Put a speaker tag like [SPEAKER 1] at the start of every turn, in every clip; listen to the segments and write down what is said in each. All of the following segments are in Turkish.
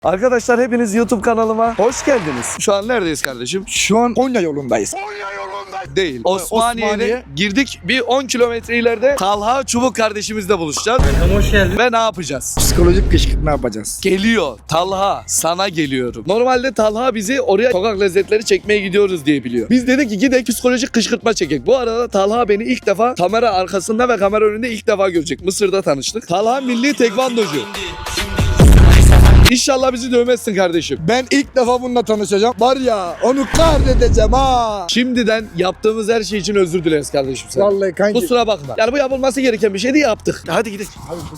[SPEAKER 1] Arkadaşlar hepiniz YouTube kanalıma hoş geldiniz. Şu an neredeyiz kardeşim?
[SPEAKER 2] Şu an Konya yolundayız.
[SPEAKER 1] Değil. Osmaniye'ye girdik. Bir 10 kilometre ileride Talha Çubuk kardeşimizle buluşacağız.
[SPEAKER 3] Hoş geldin.
[SPEAKER 1] Ve ne yapacağız?
[SPEAKER 2] Psikolojik kışkırtma yapacağız.
[SPEAKER 1] Geliyor. Talha sana geliyorum. Normalde Talha bizi oraya sokak lezzetleri çekmeye gidiyoruz diye biliyor. Biz dedik ki gidelim psikolojik kışkırtma çekek. Bu arada Talha beni ilk defa kamera arkasında ve kamera önünde ilk defa görecek. Mısır'da tanıştık. Talha milli tekvandocu. İnşallah bizi dövmezsin kardeşim.
[SPEAKER 2] Ben ilk defa bununla tanışacağım. Var ya onu kahredeceğim ha.
[SPEAKER 1] Şimdiden yaptığımız her şey için özür dileriz kardeşim sen.
[SPEAKER 2] Vallahi kanki.
[SPEAKER 1] Kusura bakma. Yani bu yapılması gereken bir şeydi, yaptık. Hadi gidelim.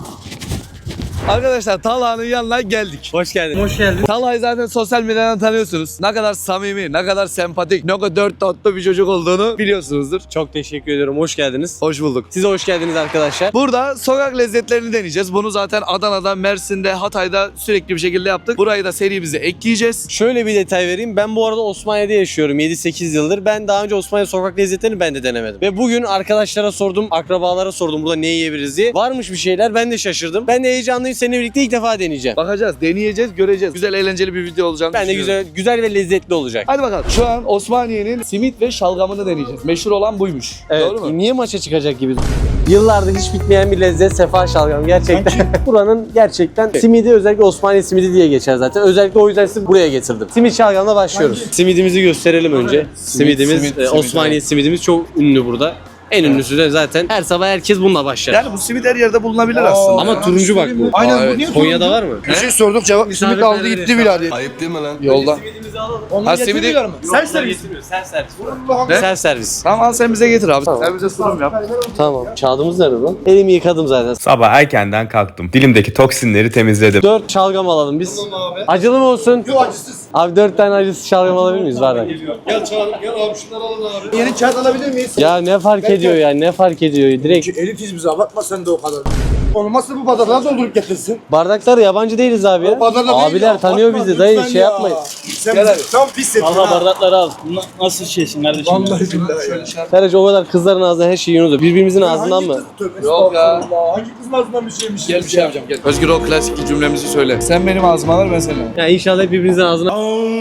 [SPEAKER 1] Arkadaşlar Talha'nın yanına geldik.
[SPEAKER 3] Hoş geldin. Hoş geldin.
[SPEAKER 1] Talha'yı zaten sosyal medyadan tanıyorsunuz. Ne kadar samimi, ne kadar sempatik, ne kadar dört tatlı bir çocuk olduğunu biliyorsunuzdur.
[SPEAKER 3] Çok teşekkür ediyorum. Hoş geldiniz.
[SPEAKER 1] Hoş bulduk.
[SPEAKER 3] Size hoş geldiniz arkadaşlar.
[SPEAKER 1] Burada sokak lezzetlerini deneyeceğiz. Bunu zaten Adana'da, Mersin'de, Hatay'da sürekli bir şekilde yaptık. Burayı da serimize ekleyeceğiz.
[SPEAKER 3] Şöyle bir detay vereyim. Ben bu arada Osmaniye'de yaşıyorum 7-8 yıldır. Ben daha önce Osmaniye sokak lezzetlerini ben de denemedim. Ve bugün arkadaşlara sordum, akrabalara sordum burada ne yiyebiliriz diye. Varmış bir şeyler, ben de şaşırdım. Ben de heyecanlıyım, seninle birlikte ilk defa deneyeceğim.
[SPEAKER 1] Bakacağız, deneyeceğiz, göreceğiz. Güzel, eğlenceli bir video olacağını
[SPEAKER 3] Ben de
[SPEAKER 1] düşünüyorum.
[SPEAKER 3] güzel ve lezzetli olacak.
[SPEAKER 1] Hadi bakalım. Şu an Osmaniye'nin simit ve şalgamını deneyeceğiz. Meşhur olan buymuş.
[SPEAKER 3] Evet,
[SPEAKER 1] Doğru mu?
[SPEAKER 3] niye maça çıkacak gibi? Yıllardır hiç bitmeyen bir lezzet sefa şalgam gerçekten. Buranın gerçekten simidi, özellikle Osmaniye simidi diye geçer zaten. Özellikle o yüzden sizi buraya getirdim. Simit şalgamla başlıyoruz. Simidimizi gösterelim önce. Simit. Osmaniye simidimiz çok ünlü burada. En ünlüsü de zaten her sabah herkes bununla başlar.
[SPEAKER 1] Yani bu simit her yerde bulunabilir aslında.
[SPEAKER 3] Ama turuncu bak bu.
[SPEAKER 2] Aynen
[SPEAKER 1] evet.
[SPEAKER 2] bu niye
[SPEAKER 3] Konya'da var mı?
[SPEAKER 2] Bir şey sorduk cevap simit aldı gitti bile hadi.
[SPEAKER 4] Ayıp değil mi lan?
[SPEAKER 1] Yolda.
[SPEAKER 3] Simidimizi alalım.
[SPEAKER 1] Ha simidi...
[SPEAKER 3] Self servis.
[SPEAKER 1] Ne?
[SPEAKER 3] Self servis.
[SPEAKER 1] Tamam al sen bize getir abi.
[SPEAKER 3] Tamam.
[SPEAKER 1] Sen bize sunum yap.
[SPEAKER 3] Tamam. Kağıdımız nerede lan? Elimi yıkadım zaten.
[SPEAKER 4] Sabah erkenden kalktım. Dilimdeki toksinleri temizledim.
[SPEAKER 3] 4 şalgam alalım biz. Acılı mı olsun?
[SPEAKER 2] Yok acısız.
[SPEAKER 3] Abi 4 tane acısız şalgam alabilir miyiz bardak?
[SPEAKER 2] Gel çağırın gel abi şunları alın abi. Yeni kağıt alabilir miyiz?
[SPEAKER 3] Ya ne fark ediyor ya? Ne fark ediyor? Direkt
[SPEAKER 2] Elitiz bize abartma sen de o kadar. Olmazsa bu bardakları doldurup getirsin.
[SPEAKER 3] bardaklar yabancı değiliz abi ya. Abiler tanıyor bizi dayı şey yapmayın.
[SPEAKER 2] Sen bizi tam pis ettin
[SPEAKER 3] Allah
[SPEAKER 2] ha.
[SPEAKER 3] bardakları al.
[SPEAKER 5] Nasıl şeysin kardeşim?
[SPEAKER 2] Vallahi billahi.
[SPEAKER 3] Sadece o kadar kızların ağzından her şeyi yiyoruz. Birbirimizin ağzından mı?
[SPEAKER 1] Yok ya.
[SPEAKER 2] Hangi kızın ağzından bir şeymiş?
[SPEAKER 1] Gel bir şey yapacağım gel. Özgür o klasik cümlemizi söyle. Sen benim ağzıma ver ben senin.
[SPEAKER 3] Ya inşallah hep birbirimizin ağzına.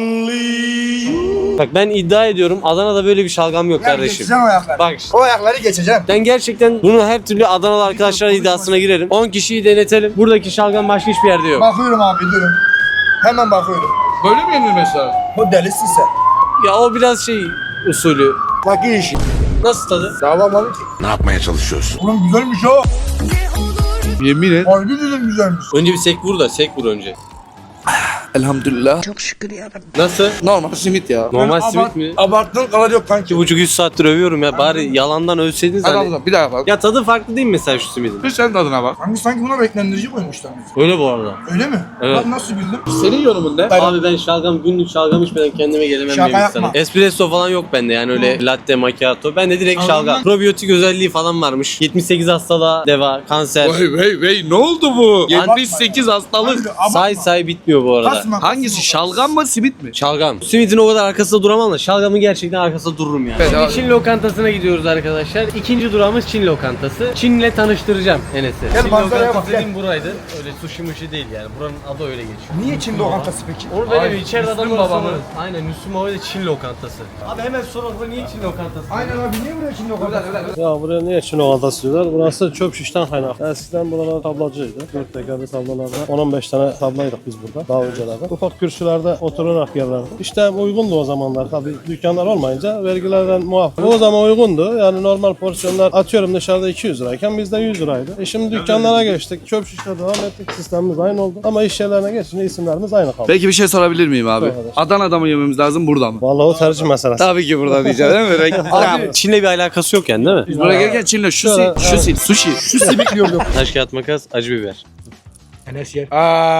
[SPEAKER 3] Bak ben iddia ediyorum Adana'da böyle bir şalgam yok kardeşim.
[SPEAKER 2] Geçeceğim o ayakları.
[SPEAKER 3] Bak
[SPEAKER 2] O ayakları geçeceğim.
[SPEAKER 3] ben gerçekten bunu her türlü Adanalı arkadaşlar iddiasına girerim. 10 kişiyi denetelim. Buradaki şalgam başka hiçbir yerde yok.
[SPEAKER 2] Bakıyorum abi durun. Hemen bakıyorum.
[SPEAKER 1] Böyle mi yenir mesela?
[SPEAKER 2] O delisin sen.
[SPEAKER 3] Ya o biraz şey usulü.
[SPEAKER 2] Bak iyi iş.
[SPEAKER 3] Nasıl tadı?
[SPEAKER 2] Dağlamadı ki.
[SPEAKER 4] Ne yapmaya çalışıyorsun?
[SPEAKER 2] Oğlum güzelmiş o.
[SPEAKER 1] Yemin et.
[SPEAKER 2] Harbi dedim güzelmiş.
[SPEAKER 3] Önce bir sek vur da sek vur önce.
[SPEAKER 1] Elhamdülillah.
[SPEAKER 3] Nasıl?
[SPEAKER 1] Normal simit ya.
[SPEAKER 3] Normal simit mi?
[SPEAKER 2] Abarttığın kadar yok kanki.
[SPEAKER 3] 2,5-3 saattir övüyorum ya bari yalandan ölseydiniz
[SPEAKER 1] Hadi
[SPEAKER 3] hani.
[SPEAKER 1] al bir daha bak.
[SPEAKER 3] Ya tadı farklı değil mi mesela şu simidin?
[SPEAKER 1] Bir sen tadına bak.
[SPEAKER 2] Kanki sanki buna renklendirici koymuşlar.
[SPEAKER 3] Öyle bu arada.
[SPEAKER 2] Öyle mi?
[SPEAKER 3] Evet.
[SPEAKER 2] Bak nasıl bildin?
[SPEAKER 1] Senin yorumun ne?
[SPEAKER 3] Abi ben şalgam günlük şalgam içmeden kendime gelemem
[SPEAKER 2] Şaka
[SPEAKER 3] bir insanım.
[SPEAKER 2] yapma.
[SPEAKER 3] Espresso falan yok bende yani öyle latte macchiato. Ben de direkt
[SPEAKER 2] Anladın
[SPEAKER 3] şalgam.
[SPEAKER 2] mı?
[SPEAKER 3] Probiyotik özelliği falan varmış. 78 hastalığa deva, kanser.
[SPEAKER 1] Vay ne oldu bu? 78 hastalık.
[SPEAKER 3] Say bitmiyor bu arada.
[SPEAKER 2] Kasma.
[SPEAKER 1] Hangisi şalgam mı simit mi?
[SPEAKER 3] Şalgam. Simidin o kadar arkasında duramam da şalgamın gerçekten arkasında dururum yani.
[SPEAKER 1] Bedava.
[SPEAKER 3] Şimdi Çin lokantasına gidiyoruz arkadaşlar. İkinci durağımız Çin lokantası. Çin'le tanıştıracağım Enes'i.
[SPEAKER 2] Gel
[SPEAKER 3] Çin
[SPEAKER 2] manzaraya
[SPEAKER 3] lokantası
[SPEAKER 2] bak, gel.
[SPEAKER 3] dediğim buraydı. Öyle sushi mushi değil yani. Buranın adı öyle geçiyor.
[SPEAKER 2] Niye Çin lokantası peki?
[SPEAKER 3] Onu böyle
[SPEAKER 1] Ay,
[SPEAKER 3] bir içeride
[SPEAKER 1] Müslüm
[SPEAKER 3] adamlar
[SPEAKER 1] babamın.
[SPEAKER 3] sorarız. Aynen Müslüm Baba ile Çin lokantası. Abi hemen soralım bu niye Çin lokantası?
[SPEAKER 2] Aynen abi niye buraya Çin lokantası?
[SPEAKER 6] Ya buraya niye Çin lokantası diyorlar? Burası çöp şişten kaynaklı. Eskiden buralar tablacıydı. 4 tekerli tablalarda 10-15 tane tablaydık biz burada daha öncelerde. Ufak kürsülerde oturarak yerlerdi. İşte uygundu o zamanlar tabii dükkanlar olmayınca vergilerden muaf. O zaman uygundu. Yani normal porsiyonlar atıyorum dışarıda 200 lirayken bizde 100 liraydı. Şimdi dükkanlara geçtik. Çöp şişle devam ettik. Sistemimiz aynı oldu. Ama iş yerlerine geçince isimlerimiz aynı kaldı.
[SPEAKER 1] Peki bir şey sorabilir miyim abi?
[SPEAKER 6] Sor kardeşim.
[SPEAKER 1] Adana'da mı yememiz lazım burada mı?
[SPEAKER 6] Vallahi o tercih meselesi.
[SPEAKER 1] Tabii ki burada diyeceğim değil mi?
[SPEAKER 3] Abi Çin'le bir alakası yok yani değil mi?
[SPEAKER 1] Biz buraya gelirken Çin'le
[SPEAKER 6] Şöyle,
[SPEAKER 1] sushi.
[SPEAKER 2] Şu simit yiyor yok.
[SPEAKER 3] Taş kağıt makas acı biber.
[SPEAKER 2] Enes yer.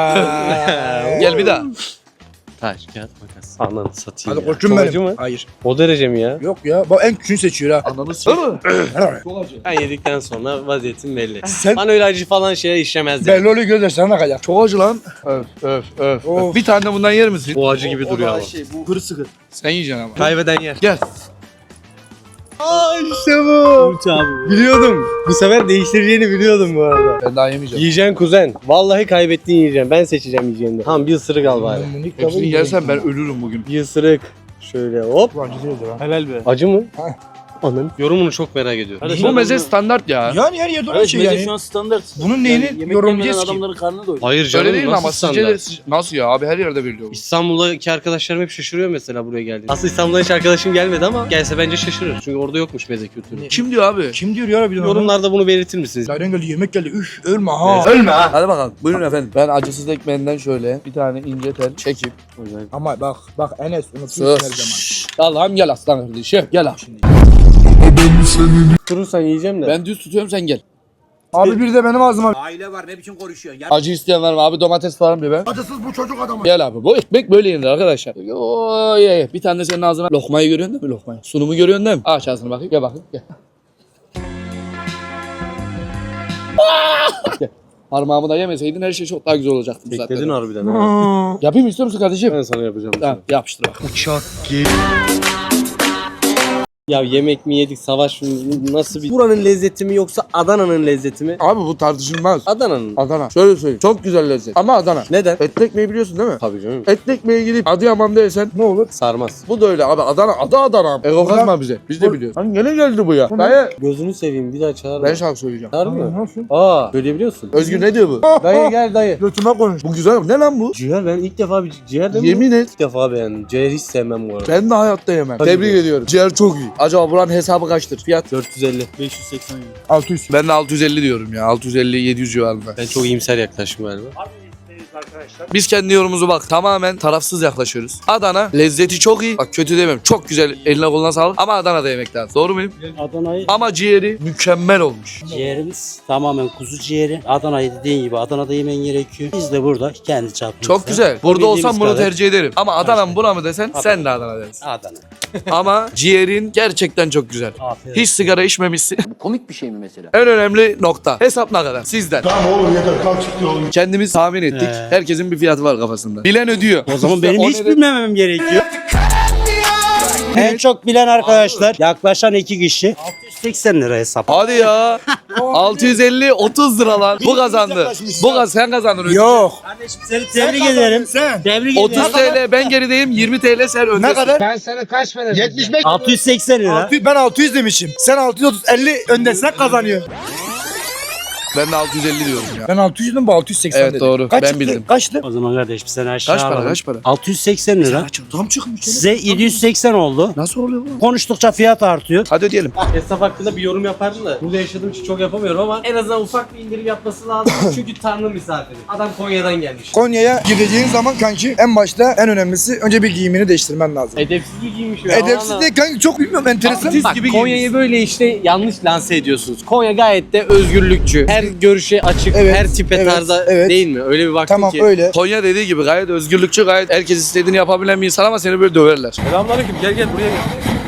[SPEAKER 1] Gel bir daha.
[SPEAKER 3] Taş kağıt makas. Ananı satayım
[SPEAKER 2] Hadi
[SPEAKER 3] ya.
[SPEAKER 2] koçum
[SPEAKER 3] Çok
[SPEAKER 2] benim.
[SPEAKER 3] acı mı?
[SPEAKER 2] Hayır.
[SPEAKER 3] O derece mi ya?
[SPEAKER 2] Yok ya. Bak en küçüğünü seçiyor ha.
[SPEAKER 1] Ananı s***.
[SPEAKER 3] Ben yedikten sonra vaziyetim belli.
[SPEAKER 2] Sen-
[SPEAKER 3] Bana öyle acı falan şeyler işlemezdi.
[SPEAKER 2] Belli oluyor gözyaşlarına kadar.
[SPEAKER 1] Çok acı lan. Öf.
[SPEAKER 2] Of.
[SPEAKER 1] Bir tane de bundan yer misin?
[SPEAKER 3] Bu acı gibi duruyor ama.
[SPEAKER 1] Bu kırı sıkı. Sen yiyeceksin ama.
[SPEAKER 3] Kaybeden yer.
[SPEAKER 1] Gel.
[SPEAKER 3] İşte bu. Biliyordum. Bu sefer değiştireceğini biliyordum bu arada.
[SPEAKER 1] Ben daha yemeyeceğim.
[SPEAKER 3] Yiyeceksin kuzen. Vallahi kaybettiğin yiyeceğim. Ben seçeceğim yiyeceğini. Tamam bir ısırık al bari.
[SPEAKER 1] Hepsini yersen ben ölürüm bugün.
[SPEAKER 3] Bir ısırık. Şöyle hop.
[SPEAKER 6] Helal be.
[SPEAKER 3] Acı mı? Anın. Yorumunu çok merak ediyorum.
[SPEAKER 1] Bu meze standart ya.
[SPEAKER 2] Yani her yerde öyle
[SPEAKER 5] Evet,
[SPEAKER 2] şey
[SPEAKER 5] meze
[SPEAKER 2] yani.
[SPEAKER 5] şu an standart.
[SPEAKER 2] Bunun neyini
[SPEAKER 5] yemek
[SPEAKER 2] yorumlayacağız
[SPEAKER 5] yemeyen
[SPEAKER 2] ki?
[SPEAKER 5] adamların karnı doyuyor.
[SPEAKER 3] Hayır canım.
[SPEAKER 1] Öyle değil mi
[SPEAKER 3] nasıl
[SPEAKER 1] ama
[SPEAKER 3] standart?
[SPEAKER 1] sizce de nasıl ya abi her yerde veriliyor. bu.
[SPEAKER 3] İstanbul'daki arkadaşlarım hep şaşırıyor mesela buraya geldiğinde. Aslında İstanbul'da hiç arkadaşım gelmedi ama gelse bence şaşırır. Çünkü orada yokmuş meze kültürü.
[SPEAKER 1] Kim diyor abi?
[SPEAKER 2] Kim diyor ya bir de
[SPEAKER 3] Yorumlarda bunu belirtir misiniz?
[SPEAKER 2] Nereden geldi yemek geldi üf ölme ha.
[SPEAKER 1] Ölme ha. Hadi bakalım. Buyurun efendim. Ben acısız ekmeğinden şöyle bir tane ince tel çekip.
[SPEAKER 2] Ama bak Enes unutuyorsun her zaman.
[SPEAKER 1] Sus. Allah'ım gel aslan kardeşim. Gel abi.
[SPEAKER 3] Durursan yiyeceğim de.
[SPEAKER 1] Ben düz tutuyorum sen gel.
[SPEAKER 2] Abi bir de benim ağzıma.
[SPEAKER 5] Aile var ne biçim konuşuyor.
[SPEAKER 1] Acı isteyen var mı abi domates falan bir be.
[SPEAKER 2] Acısız bu çocuk adamı.
[SPEAKER 1] Gel abi bu ekmek böyle yenir arkadaşlar. Yo, ye. Bir tane de senin ağzına lokmayı görüyorsun değil mi lokmayı? Sunumu görüyorsun değil mi? Aç ağzını bakayım gel bakayım gel. Gel. Parmağımı da yemeseydin her şey çok daha güzel olacaktı. bu
[SPEAKER 3] Bekledin
[SPEAKER 1] saatte.
[SPEAKER 3] harbiden ha.
[SPEAKER 1] Yapayım istiyor musun kardeşim?
[SPEAKER 3] Ben sana yapacağım.
[SPEAKER 1] Tamam yapıştır bak.
[SPEAKER 3] Ya yemek mi yedik savaş mı nasıl bir... Buranın lezzeti mi yoksa Adana'nın lezzeti mi?
[SPEAKER 1] Abi bu tartışılmaz.
[SPEAKER 3] Adana'nın.
[SPEAKER 1] Adana. Şöyle söyleyeyim. Çok güzel lezzet. Ama Adana.
[SPEAKER 3] Neden?
[SPEAKER 1] Etli ekmeği biliyorsun değil mi?
[SPEAKER 3] Tabii canım.
[SPEAKER 1] Etli ekmeği gidip Adıyaman'da yesen ne olur?
[SPEAKER 3] Sarmaz.
[SPEAKER 1] Bu da öyle abi. Adana. Adana. Ego kazma bize. Biz de biliyoruz. Hani gene geldi bu ya. Dayı.
[SPEAKER 3] Gözünü seveyim bir daha çağır.
[SPEAKER 1] Ben şarkı söyleyeceğim.
[SPEAKER 3] Çağır mı?
[SPEAKER 2] Nasıl?
[SPEAKER 3] Aa söyleyebiliyorsun.
[SPEAKER 1] Özgür ne diyor bu?
[SPEAKER 3] Dayı gel dayı.
[SPEAKER 2] Götüme konuş.
[SPEAKER 1] Bu güzel. Ne lan bu?
[SPEAKER 3] Ciğer ben ilk defa bir ciğer de mi?
[SPEAKER 1] Yemin et.
[SPEAKER 3] İlk defa beğendim. Ciğer hiç sevmem bu arada.
[SPEAKER 1] Ben de hayatta yemem.
[SPEAKER 3] Hadi
[SPEAKER 1] Tebrik
[SPEAKER 3] be.
[SPEAKER 1] ediyorum. Ciğer çok iyi. Acaba buranın hesabı kaçtır? Fiyat?
[SPEAKER 3] 450.
[SPEAKER 5] 580 euro.
[SPEAKER 2] 600.
[SPEAKER 1] Ben de 650 diyorum ya. 650-700 civarında.
[SPEAKER 3] Ben çok iyimser yaklaşım galiba.
[SPEAKER 1] Biz kendi yorumumuzu bak tamamen tarafsız yaklaşıyoruz. Adana lezzeti çok iyi. Bak kötü demem. Çok güzel. Eline koluna sağlık. Ama Adana'da yemek lazım. Doğru muyum?
[SPEAKER 5] Adana'yı
[SPEAKER 1] Ama ciğeri mükemmel olmuş.
[SPEAKER 5] ciğerimiz tamamen kuzu ciğeri. Adana'yı dediğin gibi Adana'da yemen gerekiyor. Biz de burada kendi çapımızda.
[SPEAKER 1] Çok güzel. Burada olsam
[SPEAKER 5] Bildiğimiz
[SPEAKER 1] bunu
[SPEAKER 5] kadar.
[SPEAKER 1] tercih ederim. Ama Adana mı buna mı desen sen de Adana dersin.
[SPEAKER 5] Adana.
[SPEAKER 1] Ama ciğerin gerçekten çok güzel.
[SPEAKER 5] Aferin.
[SPEAKER 1] Hiç sigara içmemişsin.
[SPEAKER 5] Komik bir şey mi mesela?
[SPEAKER 1] En önemli nokta. Hesap ne kadar? Sizden.
[SPEAKER 2] Tamam oğlum yeter kalk çıktı oğlum.
[SPEAKER 1] Kendimiz tahmin ettik. Herkesin bir fiyatı var kafasında. Bilen ödüyor.
[SPEAKER 5] O zaman benim
[SPEAKER 1] O
[SPEAKER 5] hiç
[SPEAKER 1] neden-
[SPEAKER 5] bilmemem gerekiyor. En çok bilen arkadaşlar yaklaşan 2 kişi 680 lira hesap.
[SPEAKER 1] Hadi ya. 650 30 lira lan. Bu kazandı. Sen kazandın. Özgür.
[SPEAKER 2] Yok.
[SPEAKER 5] Kardeşim seni tebrik ederim.
[SPEAKER 2] Sen.
[SPEAKER 5] Tebrik
[SPEAKER 1] 30
[SPEAKER 5] ederim.
[SPEAKER 1] TL ben gerideyim. 20 TL sen öndesin.
[SPEAKER 2] Ne kadar? Ben sana kaç para 75.
[SPEAKER 5] 680 lira.
[SPEAKER 2] Ben 600 demişim. Sen 630 50 öndesin kazanıyor.
[SPEAKER 1] Ben de 650 diyorum ya.
[SPEAKER 2] Ben 600 dedim bu 680
[SPEAKER 1] Evet,
[SPEAKER 2] dedi.
[SPEAKER 1] doğru.
[SPEAKER 2] Kaç
[SPEAKER 1] Ben
[SPEAKER 2] çıktı?
[SPEAKER 1] bildim.
[SPEAKER 2] Kaçtı?
[SPEAKER 5] O zaman kardeşim sen aşağı
[SPEAKER 1] Kaç para
[SPEAKER 5] alalım.
[SPEAKER 1] kaç para?
[SPEAKER 5] 680 lira.
[SPEAKER 2] Tam çıkmış.
[SPEAKER 5] Size 780 oldu.
[SPEAKER 1] Nasıl oluyor bu?
[SPEAKER 5] Konuştukça fiyat artıyor.
[SPEAKER 1] Hadi ödeyelim.
[SPEAKER 3] Hesap hakkında bir yorum yapardım da burada yaşadığım için çok yapamıyorum ama en azından ufak bir indirim yapması lazım. Çünkü Tanrı misafiri. Adam Konya'dan gelmiş.
[SPEAKER 2] Konya'ya gideceğin zaman kanki en başta en önemlisi önce bir giyimini değiştirmen lazım.
[SPEAKER 3] Edepsiz bir giymiş ya.
[SPEAKER 2] Edepsiz değil kanki çok bilmiyorum enteresan.
[SPEAKER 3] Bak Konya'yı böyle işte yanlış lanse ediyorsunuz. Konya gayet de özgürlükçü. Her görüşe açık,
[SPEAKER 2] Evet,
[SPEAKER 3] her tipe
[SPEAKER 2] evet,
[SPEAKER 3] tarza
[SPEAKER 2] evet.
[SPEAKER 3] değil mi? Öyle bir baktım
[SPEAKER 2] Tamam
[SPEAKER 3] ki.
[SPEAKER 2] öyle.
[SPEAKER 1] Konya dediği gibi gayet özgürlükçü, gayet herkes istediğini yapabilen bir insan ama seni böyle döverler.
[SPEAKER 3] Selamünaleyküm. Gel buraya gel.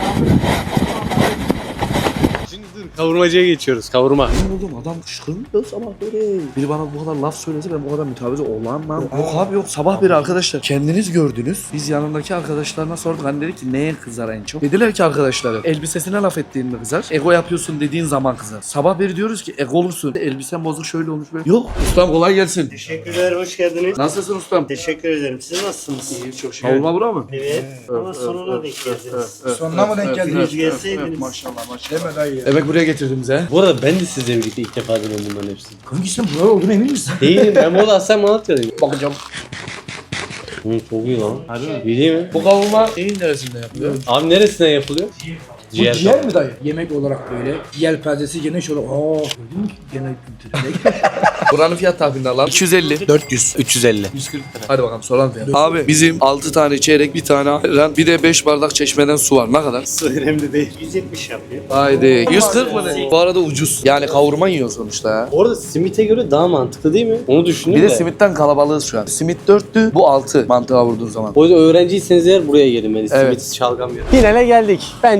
[SPEAKER 3] Şimdi dur. Kavurmacıya geçiyoruz. Kavurma.
[SPEAKER 1] Oğlum adam kışkırmıyor sabah böyle. Biri bana bu kadar laf söylese ben bu kadar mütevazi olamam. Yok abi yok sabah beri arkadaşlar kendiniz gördünüz. Biz yanındaki arkadaşlarına sorduk. Hani dedik ki neye kızar en çok? Dediler ki arkadaşları elbisesine laf ettiğin mi kızar? Ego yapıyorsun dediğin zaman kızar. Sabah beri diyoruz ki ego olursun. Elbisen bozuk şöyle olmuş böyle. Yok ustam kolay gelsin.
[SPEAKER 7] Teşekkürler, hoş geldiniz.
[SPEAKER 1] Nasılsın ustam?
[SPEAKER 7] Teşekkür ederim. Siz nasılsınız? İyi, çok şükür.
[SPEAKER 1] Kavurma bura mı?
[SPEAKER 7] Evet. Ama sonuna denk geldiniz.
[SPEAKER 2] Sonuna mı denk geldiniz?
[SPEAKER 7] Gelseydiniz.
[SPEAKER 1] Maşallah.
[SPEAKER 2] Deme dayı ya.
[SPEAKER 1] Demek buraya getirdim bize.
[SPEAKER 3] Bu arada ben de sizle birlikte ilk defa deniyorum bunların hepsini.
[SPEAKER 2] Kanki sen buralı olduğunu emin misin?
[SPEAKER 3] Değilim. Ben burada Aslen Malatya'dayım.
[SPEAKER 1] Bakacağım.
[SPEAKER 3] Çok iyi lan. İyi değil mi?
[SPEAKER 1] Bu kavurma neyin neresinde yapılıyor?
[SPEAKER 3] Abi neresinden yapılıyor?
[SPEAKER 2] Bu ciğer mi dayı? Yemek olarak böyle. Yelpazesi geniş olarak. Aa gördün mü? Genel kültürü.
[SPEAKER 1] Buranın fiyat tahminini alalım. 250.
[SPEAKER 2] 400.
[SPEAKER 3] 350.
[SPEAKER 1] 140. Hadi bakalım soralım fiyat. Abi bizim 6 tane çeyrek, bir tane ayran, bir de 5 bardak çeşmeden su var. Ne kadar?
[SPEAKER 7] Su önemli değil. 170 yapıyor.
[SPEAKER 1] Haydi. 140 mı ne? Bu arada ucuz. Yani kavurma yiyor sonuçta ya.
[SPEAKER 3] Orada simite göre daha mantıklı değil mi? Onu düşündüm
[SPEAKER 1] Bir de
[SPEAKER 3] de.
[SPEAKER 1] simitten kalabalığız şu an. Simit 4'tü, bu 6 mantığa vurduğun zaman.
[SPEAKER 3] O yüzden öğrenciyseniz eğer buraya gelin. Ben
[SPEAKER 1] Evet.
[SPEAKER 3] simitsiz şalgam yiyorum. Finale geldik. Bence 3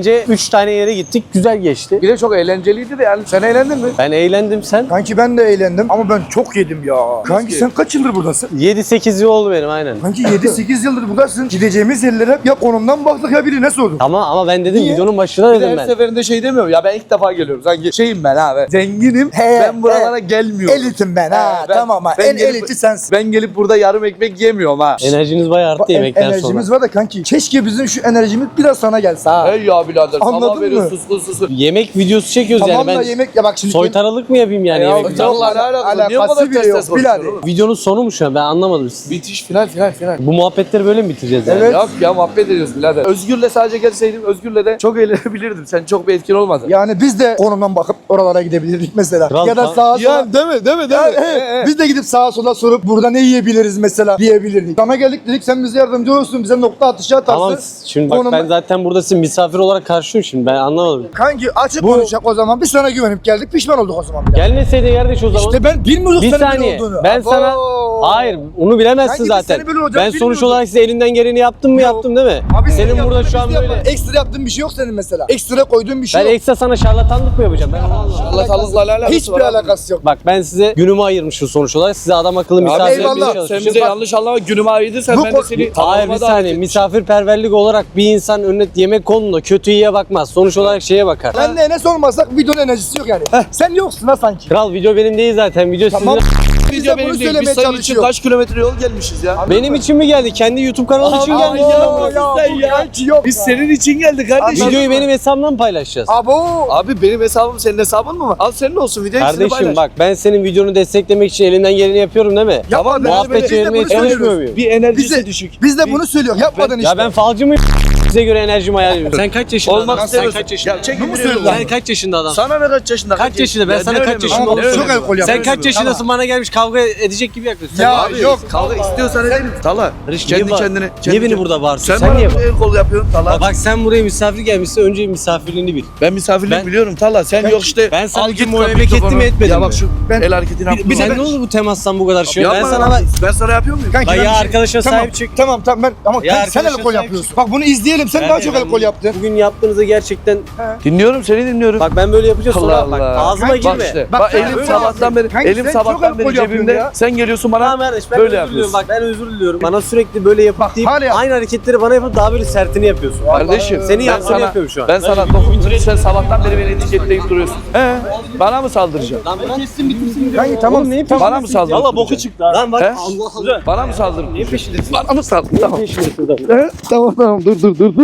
[SPEAKER 3] 3 tane yere gittik. Güzel geçti.
[SPEAKER 1] Bir de çok eğlenceliydi de yani. Sen eğlendin mi?
[SPEAKER 3] Ben eğlendim, sen?
[SPEAKER 2] Kanki ben de eğlendim ama ben çok yedim ya. Kanki sen kaç yıldır buradasın?
[SPEAKER 3] 7-8 yıl oldu benim aynen.
[SPEAKER 2] Kanki 7-8 yıldır buradasın. Gideceğimiz yerlere hep ya konumdan baktık ya birine sorduk.
[SPEAKER 3] Ama ben dedim
[SPEAKER 2] Niye?
[SPEAKER 3] videonun başında
[SPEAKER 1] Bir de
[SPEAKER 3] dedim
[SPEAKER 1] her
[SPEAKER 3] ben.
[SPEAKER 1] seferinde şey demiyorum. Ya ben ilk defa geliyorum. Sanki şeyim ben abi. Zenginim. Ben buralara gelmiyorum.
[SPEAKER 2] Elitim ben ha. Tamam ha.
[SPEAKER 1] ben
[SPEAKER 2] En
[SPEAKER 1] gelip-
[SPEAKER 2] eliti sensin.
[SPEAKER 1] Ben gelip burada yarım ekmek yemiyorum ha.
[SPEAKER 3] Enerjiniz bayağı arttı yemekten sonra.
[SPEAKER 2] Enerjimiz var da kanki. Keşke bizim şu enerjimiz biraz sana gelse ha.
[SPEAKER 1] Hey ya birader.
[SPEAKER 2] Anladın
[SPEAKER 1] Sabah veriyor
[SPEAKER 2] mı?
[SPEAKER 1] suskun.
[SPEAKER 3] Yemek videosu çekiyoruz
[SPEAKER 2] Tamam
[SPEAKER 3] yani
[SPEAKER 2] da
[SPEAKER 3] ben.
[SPEAKER 2] yemek ya bak şimdi.
[SPEAKER 3] Soytaralık mı yapayım yani yemek videosu?
[SPEAKER 1] Allah ne alakası? Niye bu
[SPEAKER 2] Alakası
[SPEAKER 1] kadar
[SPEAKER 2] bile
[SPEAKER 1] ters
[SPEAKER 2] yok,
[SPEAKER 1] ters konuşuyorsun
[SPEAKER 2] birader.
[SPEAKER 1] oğlum?
[SPEAKER 3] Videonun sonu mu şu an? Ben anlamadım.
[SPEAKER 1] Bitiş final.
[SPEAKER 3] Bu muhabbetleri böyle mi bitireceğiz yani?
[SPEAKER 2] Evet.
[SPEAKER 1] Yok ya muhabbet ediyoruz birader. Özgür'le sadece gelseydim Özgür'le de çok eğlenebilirdim. Sen çok bir etkin olmadın.
[SPEAKER 2] Yani biz de konumdan bakıp oralara gidebilirdik mesela.
[SPEAKER 3] Kral
[SPEAKER 2] ya da
[SPEAKER 3] kan-
[SPEAKER 2] sağa sola.
[SPEAKER 1] Ya değil mi? Değil mi?
[SPEAKER 2] Biz de gidip sağa sola sorup burada ne yiyebiliriz mesela diyebilirdik. Sana geldik dedik sen bize yardımcı olursun bize nokta atışı atarsın.
[SPEAKER 3] Tamam şimdi bak
[SPEAKER 2] Konumda-
[SPEAKER 3] ben zaten burada sizin misafir olarak karşıyım şimdi ben anlamadım.
[SPEAKER 2] Kanki açık konuşacak o zaman biz sana güvenip geldik pişman olduk o zaman. bile.
[SPEAKER 3] Gelmeseydin kardeş o zaman.
[SPEAKER 2] İşte ben bilmiyordum
[SPEAKER 3] Bir
[SPEAKER 2] senin böyle
[SPEAKER 3] saniye.
[SPEAKER 2] olduğunu.
[SPEAKER 3] Ben sana hayır onu bilemezsin
[SPEAKER 2] Kanki biz
[SPEAKER 3] zaten.
[SPEAKER 2] seni böyle olacağını
[SPEAKER 3] Ben sonuç
[SPEAKER 2] bilmiyordum.
[SPEAKER 3] olarak size elinden geleni yaptım mı yaptım değil mi?
[SPEAKER 2] Abi
[SPEAKER 3] Senin
[SPEAKER 2] sen
[SPEAKER 3] burada
[SPEAKER 2] yaptın,
[SPEAKER 3] şu an
[SPEAKER 2] biz de
[SPEAKER 3] böyle.
[SPEAKER 2] yapalım. Ekstra yaptığın bir şey yok senin mesela. Ekstra koyduğun bir şey
[SPEAKER 3] Ben
[SPEAKER 2] yok.
[SPEAKER 3] ekstra sana şarlatanlık mı yapacağım? Ben onu anlamadım.
[SPEAKER 1] Allah'la alakası
[SPEAKER 2] Hiçbir
[SPEAKER 1] var abi.
[SPEAKER 2] alakası yok.
[SPEAKER 3] Bak ben size günümü ayırmışım sonuç olarak. Size adam akıllı
[SPEAKER 1] Abi
[SPEAKER 3] misafir etmeye
[SPEAKER 2] eyvallah.
[SPEAKER 1] Sen
[SPEAKER 3] çalışmışım.
[SPEAKER 1] bize yanlış anlama günümü ayırdıysan
[SPEAKER 2] Bu
[SPEAKER 1] ben de
[SPEAKER 2] konu-
[SPEAKER 1] seni
[SPEAKER 3] Hayır bir
[SPEAKER 1] kanalıma davet
[SPEAKER 3] saniye
[SPEAKER 1] etmişim.
[SPEAKER 3] misafirperverlik olarak bir insan önüne yemek konduğunda kötü iyiye bakmaz. Sonuç olarak şeye bakar.
[SPEAKER 2] Ben de Enes olmasak videonun enerjisi yok yani. Sen yoksun ha sanki.
[SPEAKER 3] Kral video benim değil zaten. Video
[SPEAKER 2] Tamam.
[SPEAKER 3] sizin.
[SPEAKER 2] Biz
[SPEAKER 1] Video
[SPEAKER 2] de bunu
[SPEAKER 1] benim değil. Biz
[SPEAKER 2] söylemeye
[SPEAKER 1] senin için
[SPEAKER 2] çalışıyoruz.
[SPEAKER 1] kaç kilometre yol gelmişiz ya.
[SPEAKER 3] Benim için mi geldi? Kendi YouTube kanalı için geldi.
[SPEAKER 1] Biz senin için geldik kardeşim.
[SPEAKER 3] Videoyu benim hesabımdan mı paylaşacağız?
[SPEAKER 2] Abo.
[SPEAKER 1] Abi benim hesabım senin hesabın mı var? Al senin olsun videoyu ikisini
[SPEAKER 3] Kardeşim
[SPEAKER 1] paylaş.
[SPEAKER 3] bak ben senin videonu desteklemek için elimden geleni yapıyorum değil mi?
[SPEAKER 2] Yapma,
[SPEAKER 3] Muhabbet çevirmeye çalışmıyor muyum?
[SPEAKER 1] Bir enerjisi
[SPEAKER 2] Bize-
[SPEAKER 1] düşük.
[SPEAKER 2] Biz de bunu söylüyoruz. Yapmadın işte.
[SPEAKER 3] Ya ben falcı mıyım? Size göre enerjimi ayar ediyorum. Sen kaç yaşında
[SPEAKER 1] Olmak
[SPEAKER 3] adamsın? Sen
[SPEAKER 1] istemiyorsun.
[SPEAKER 3] kaç yaşında?
[SPEAKER 1] Ya çekin
[SPEAKER 2] Bu mu
[SPEAKER 1] bir
[SPEAKER 2] söylüyorsun?
[SPEAKER 1] yolu.
[SPEAKER 3] Sen kaç yaşında adamsın?
[SPEAKER 1] Sana ne kaç yaşında?
[SPEAKER 3] Kaç yaşında? Ben
[SPEAKER 1] Ya
[SPEAKER 3] sana
[SPEAKER 1] ne
[SPEAKER 3] kaç
[SPEAKER 1] önemi
[SPEAKER 3] yaşında
[SPEAKER 1] var?
[SPEAKER 2] olduğunu
[SPEAKER 1] Ne önemi
[SPEAKER 2] söylüyorum.
[SPEAKER 1] var?
[SPEAKER 2] Çok alkol
[SPEAKER 3] Sen
[SPEAKER 2] yapıyorsun.
[SPEAKER 3] kaç yaşındasın bana gelmiş kavga edecek gibi yaklaşıyorsun.
[SPEAKER 2] Ya
[SPEAKER 1] Abi,
[SPEAKER 2] yok.
[SPEAKER 1] Kavga istiyorsan edelim. Tala. Kendi kendine.
[SPEAKER 3] Niye beni burada bağırsın?
[SPEAKER 1] Sen
[SPEAKER 3] Sen
[SPEAKER 1] bana
[SPEAKER 3] niye
[SPEAKER 1] el kol yapıyorsun Tala.
[SPEAKER 3] Bak sen buraya misafir gelmişsin önce misafirliğini bil.
[SPEAKER 1] Ben misafirliği
[SPEAKER 3] Ben-
[SPEAKER 1] biliyorum Tala. Sen yok işte.
[SPEAKER 3] Ben sana
[SPEAKER 1] al
[SPEAKER 3] git
[SPEAKER 1] git
[SPEAKER 3] muhabbet
[SPEAKER 1] mikrofonu.
[SPEAKER 3] ettim mi etmedim
[SPEAKER 1] Ya
[SPEAKER 3] mi?
[SPEAKER 1] bak şu
[SPEAKER 2] Ben-
[SPEAKER 1] el hareketini yaptım.
[SPEAKER 3] Sen ne oldu bu temastan bu kadar şey? Ben
[SPEAKER 1] Yapma
[SPEAKER 3] sana
[SPEAKER 1] ya. Ben sana yapıyor muyum?
[SPEAKER 2] Kanki
[SPEAKER 3] Bak
[SPEAKER 2] ben
[SPEAKER 3] ya
[SPEAKER 2] bir şey-
[SPEAKER 3] arkadaşa
[SPEAKER 2] Tamam,
[SPEAKER 3] sahip çık.
[SPEAKER 2] Tamam ben ama
[SPEAKER 3] Ya
[SPEAKER 2] kanki sen el
[SPEAKER 3] arkadaşa
[SPEAKER 2] kol
[SPEAKER 3] sahip
[SPEAKER 2] yapıyorsun. Bak bunu izleyelim. Sen daha çok el kol yaptın.
[SPEAKER 3] Bugün yaptığınızda gerçekten
[SPEAKER 1] Dinliyorum seni dinliyorum.
[SPEAKER 3] bak ben böyle yapacağım sonra
[SPEAKER 1] Allah
[SPEAKER 3] bak
[SPEAKER 1] Allah.
[SPEAKER 3] ağzıma
[SPEAKER 1] Bak
[SPEAKER 3] girme.
[SPEAKER 1] işte.
[SPEAKER 2] Bak
[SPEAKER 1] Bak
[SPEAKER 2] sen
[SPEAKER 1] elim
[SPEAKER 2] öyle
[SPEAKER 1] sabahtan beri
[SPEAKER 2] yapıyorsun. Kanki
[SPEAKER 1] elim
[SPEAKER 2] sen çok
[SPEAKER 1] sabahtan
[SPEAKER 2] alkol
[SPEAKER 1] beri
[SPEAKER 2] yapıyorsun
[SPEAKER 1] cebimde.
[SPEAKER 2] ya.
[SPEAKER 1] Sen geliyorsun bana
[SPEAKER 3] Tamam kardeş ben
[SPEAKER 1] böyle
[SPEAKER 3] özür diliyorum.
[SPEAKER 1] yapıyorsun.
[SPEAKER 3] Bak ben özür diliyorum. Bana sürekli böyle yapıp deyip
[SPEAKER 2] hala yap.
[SPEAKER 3] aynı hareketleri bana yapıp daha böyle sertini yapıyorsun.
[SPEAKER 1] Kardeşim
[SPEAKER 3] Senin
[SPEAKER 1] ben
[SPEAKER 3] yaptığını
[SPEAKER 1] sana
[SPEAKER 3] yapıyorum şu an.
[SPEAKER 1] ben sana dokundum sen sabahtan beri beni etiketleyip duruyorsun. Bana mı saldıracaksın?
[SPEAKER 3] Lan ben kestim bitirsin.
[SPEAKER 2] Kanki tamam.
[SPEAKER 1] Bana mı saldıracaksın?
[SPEAKER 3] Valla boku çıktı. Lan bak
[SPEAKER 1] He?
[SPEAKER 3] Allah Allah.
[SPEAKER 1] Bana mı saldırdın?
[SPEAKER 3] Niye peşindesin?
[SPEAKER 1] Bana mı saldırdın? Tamam.
[SPEAKER 3] Peşindesin burada.
[SPEAKER 1] He? Tamam dur.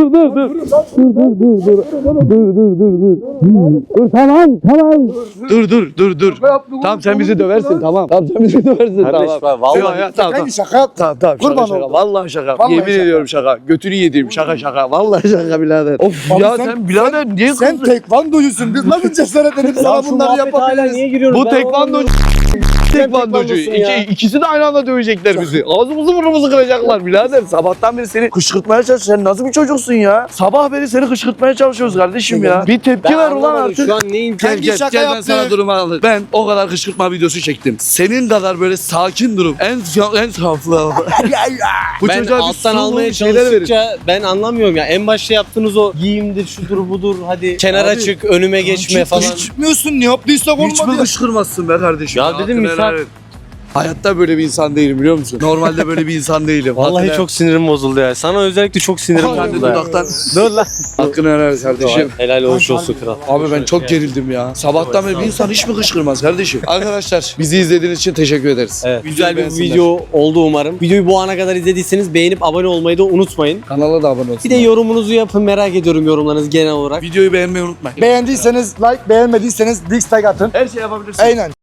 [SPEAKER 1] Dur. Tamam sen bizi döversin tamam. Tamam sen bizi döversin
[SPEAKER 3] Kardeş
[SPEAKER 1] tamam.
[SPEAKER 3] bak vallahi.
[SPEAKER 1] Yok, ya, tamam.
[SPEAKER 2] Kanki şaka yap.
[SPEAKER 1] Tamam
[SPEAKER 2] Kurban
[SPEAKER 1] şaka.
[SPEAKER 2] oldum.
[SPEAKER 1] Vallahi şaka.
[SPEAKER 2] Vallahi
[SPEAKER 1] Yemin
[SPEAKER 2] şaka.
[SPEAKER 1] ediyorum şaka. Götünü yediğim şaka. Vallahi şaka birader. Of
[SPEAKER 2] Abi
[SPEAKER 1] ya
[SPEAKER 2] sen-
[SPEAKER 1] sen birader niye
[SPEAKER 2] Sen
[SPEAKER 1] kızdın?
[SPEAKER 2] tekvandocusun. Biz nasıl cesaret edip
[SPEAKER 3] Ya
[SPEAKER 2] sana
[SPEAKER 3] şu
[SPEAKER 2] bunları
[SPEAKER 3] muhabbet hala
[SPEAKER 2] yapabiliriz?
[SPEAKER 3] niye giriyoruz?
[SPEAKER 1] Bu
[SPEAKER 3] Ben
[SPEAKER 1] tekvandocu.
[SPEAKER 3] anlamıyorum.
[SPEAKER 1] Tekvandocu.
[SPEAKER 3] tekvandosun ya.
[SPEAKER 1] İkisi de aynı anda dövecekler bizi. Ağzımızı burnumuzu kıracaklar birader. Sabahtan beri seni kışkırtmaya çalışıyoruz. Sen nasıl bir çocuksun ya? Sabah beri seni kışkırtmaya çalışıyoruz kardeşim ya. Bir tepki
[SPEAKER 3] Ben
[SPEAKER 1] ver ulan
[SPEAKER 3] anlamadım.
[SPEAKER 1] artık.
[SPEAKER 3] Şu an neyin
[SPEAKER 2] Kanki
[SPEAKER 1] Gel
[SPEAKER 2] şaka
[SPEAKER 1] ben
[SPEAKER 2] yaptık.
[SPEAKER 1] sana durumu anlatayım. Ben o kadar kışkırtma videosu çektim. Senin kadar böyle sakin durum. En saflı. Bu
[SPEAKER 3] ben
[SPEAKER 1] çocuğa bir
[SPEAKER 3] alttan
[SPEAKER 1] sulu
[SPEAKER 3] almaya
[SPEAKER 1] şeyler verin.
[SPEAKER 3] çalıştıkça ben anlamıyorum ya. En başta yaptığınız o giyimdir, şudur budur hadi kenara
[SPEAKER 1] Abi,
[SPEAKER 3] çık, önüme geçme falan.
[SPEAKER 2] Hiç çıkmıyorsun. Ne yaptıysak
[SPEAKER 1] Hiç mi
[SPEAKER 2] olmadı ya.
[SPEAKER 1] kışkırmazsın be kardeşim?
[SPEAKER 3] Ya dedim
[SPEAKER 1] Hakkını
[SPEAKER 3] misal-
[SPEAKER 1] helal et. Hayatta böyle bir insan değilim biliyor musun? Normalde böyle bir insan değilim.
[SPEAKER 3] Vallahi
[SPEAKER 1] Hakkını-
[SPEAKER 3] çok sinirim bozuldu ya. Sana özellikle çok sinirim
[SPEAKER 1] Sen de
[SPEAKER 3] bozuldu ya.
[SPEAKER 1] dudaktan.
[SPEAKER 3] Dur lan.
[SPEAKER 1] Hakkını helal et kardeşim.
[SPEAKER 3] Helal hoş olsun kral.
[SPEAKER 1] Abi ben çok gerildim ya. Sabahtan beri bir insan hiç mi kışkırmaz kardeşim? Arkadaşlar bizi izlediğiniz için teşekkür ederiz.
[SPEAKER 3] Evet,
[SPEAKER 1] Videoyu
[SPEAKER 3] güzel bir
[SPEAKER 1] beğensinler.
[SPEAKER 3] video oldu umarım. Videoyu bu ana kadar izlediyseniz beğenip abone olmayı da unutmayın.
[SPEAKER 1] Kanala da abone olsun.
[SPEAKER 3] Bir de yorumunuzu yapın, merak ediyorum yorumlarınızı genel olarak.
[SPEAKER 1] Videoyu beğenmeyi unutmayın.
[SPEAKER 2] Beğendiyseniz like, beğenmediyseniz dislike atın.
[SPEAKER 1] Her şey yapabilirsiniz.
[SPEAKER 2] Aynen.